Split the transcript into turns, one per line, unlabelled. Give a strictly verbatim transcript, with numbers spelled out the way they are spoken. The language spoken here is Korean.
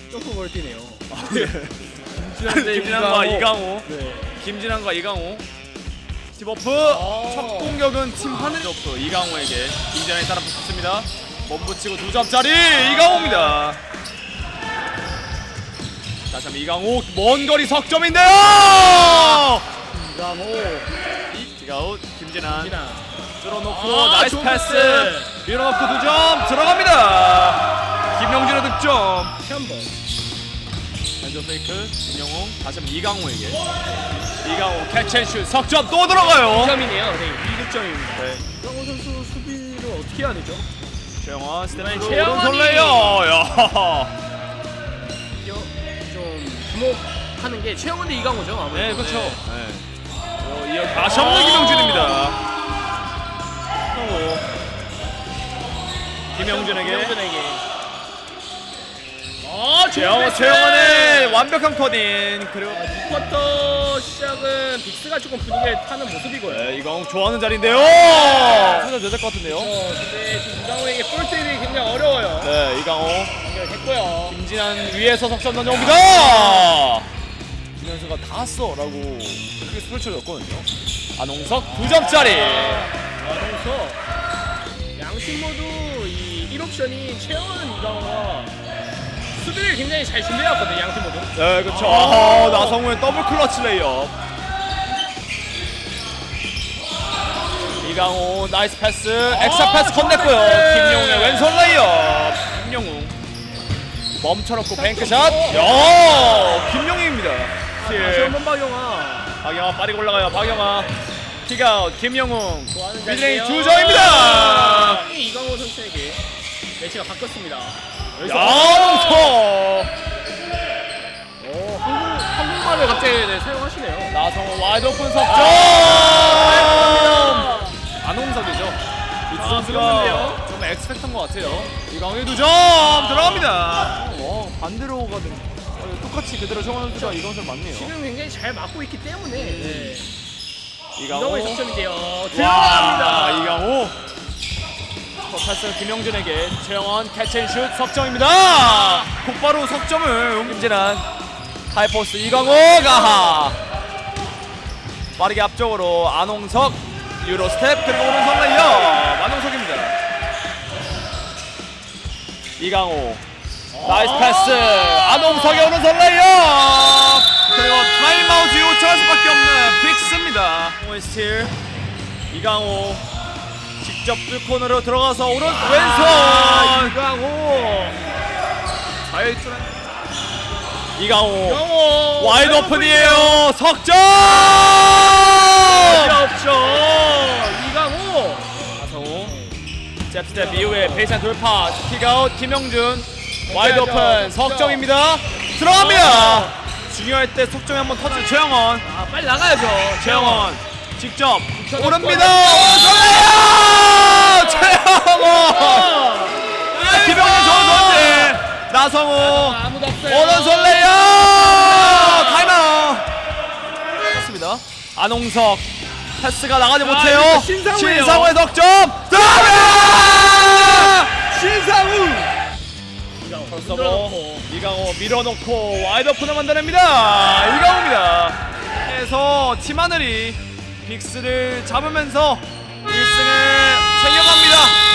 점프 멀티네요.
김진환과 이강호.
네.
김진환과 이강호. 스티버프
아.
첫 공격은 팀 하늘. 스티버프 이강호에게 김진환이 따라 붙습니다. 몸붙이고 두 점짜리 이강호입니다. 다시 한번 이강호 먼 거리 석점인데요.
이강호.
디가웃 김진환.
김진환.
뚫어놓고
아,
나이스
좋은
패스.
패스.
밀어넣고 두 점 들어갑니다. 김영준의 득점.
시한번.
왼쪽 페이크 김영웅 다시 한번 이강호에게. 이강호 캐치앤슛 석점 또 들어가요.
이 점이네요. 네, 이 득점입니다.
네.
이강호 선수 수비를 어떻게 해야 되죠?
최영환 스텝으로
최영환이-
오른손 레이어. 야.
좀 주목하는 게 최영원 대 이강호죠. 아무래도.
네 그렇죠. 네. 어, 이어 다시 없는 김영준입니다. 또 김영준에게.
김영준에게. 아,
최영환 최영환의 완벽한 커닝. 그리고
이 쿼터 시작은 빅스가 조금 분위기를 타는 모습이고요.
네, 이강호 좋아하는 자리인데요. 살짝 늦을 것 같은데요.
어, 근데 지금 이강호에게 볼때리기 굉장히 어려워요.
네, 이강호.
연결됐고요.
김진환 위에서 석점 던져옵니다. 김현수가 다 왔어라고 크게 스포를 줬거든요. 안홍석 두 점짜리.
그래서 양팀 모두 이 일 옵션이 최영원 이강호가 수비를 굉장히 잘 준비해왔거든요. 양팀 모두.
네, 그렇죠.
아.
아, 나성우의 더블 클러치 레이업. 이강호 나이스 패스, 엑스트라 패스 건넸고요.
패스.
김용웅의 왼손 레이업. 김용웅 멈춰놓고 뱅크샷. 야, 김용웅입니다.
다시 한번 박영아.
박영아 빠르게 올라가요. 박영아 킥아웃. 김영웅
좋아하는
미드레인
자리예요.
두 점입니다.
이강호 선수에게 매치가 바뀌었습니다. 여기서
양홍석.
오, 한국 한국말을 갑자기 네, 사용하시네요.
나성호 와이드 오픈 석점.
아,
안홍석이죠. 이 두
아,
선수가
그렇네요.
좀 엑스펙트한 것 같아요. 이강호의 두 점 들어갑니다. 어, 반대로 가든 어, 똑같이 그대로 정원 선수가 이강호 선수 맞네요.
지금 굉장히 잘 막고 있기 때문에 네.
이강호
이강호의 득점인데요.
와,
들어갑니다.
이강호. 패스 김영준에게 최영원 캐치앤슛 석점입니다. 곧바로 석점을 김진환 하이포스 이강호가 빠르게 앞쪽으로 안홍석 유로 스텝 그리고 오른손 레이어 안홍석입니다. 이강호 나이스 패스 안홍석의 오른손 레이어 그리고 타임아웃 요청할 수밖에 없는 빅스입니다. 스틸 이강호 직접 뚫코너로 들어가서 오른 왼손
이강호.
자유투 이강호
이강호.
와이드 오픈이에요. 석점
없죠. 이강호.
나성우 잽스텝 이후에 베이스라인 돌파 킥아웃 김영준 와이드 오픈 석점입니다. 들어갑니다. 중요할 때 석점이 한번 터지는 최영원.
아, 빨리 나가야죠.
최영원 직접
붙여놓고
오릅니다. 오른손 최영원 김영준 좋은 선제 나성우
아무도 없어요.
오른손 레이어 타임아웃. 좋습니다. 안홍석 패스가 나가지 못해요.
이거 신상우예요.
신상우의 석점 들어갑니다.
신상우.
서버 이강호 밀어놓고 와이드 오픈을 만들어냅니다. 이강호입니다. 그래서 팀하늘이 빅스를 잡으면서 일 승을 챙겨갑니다.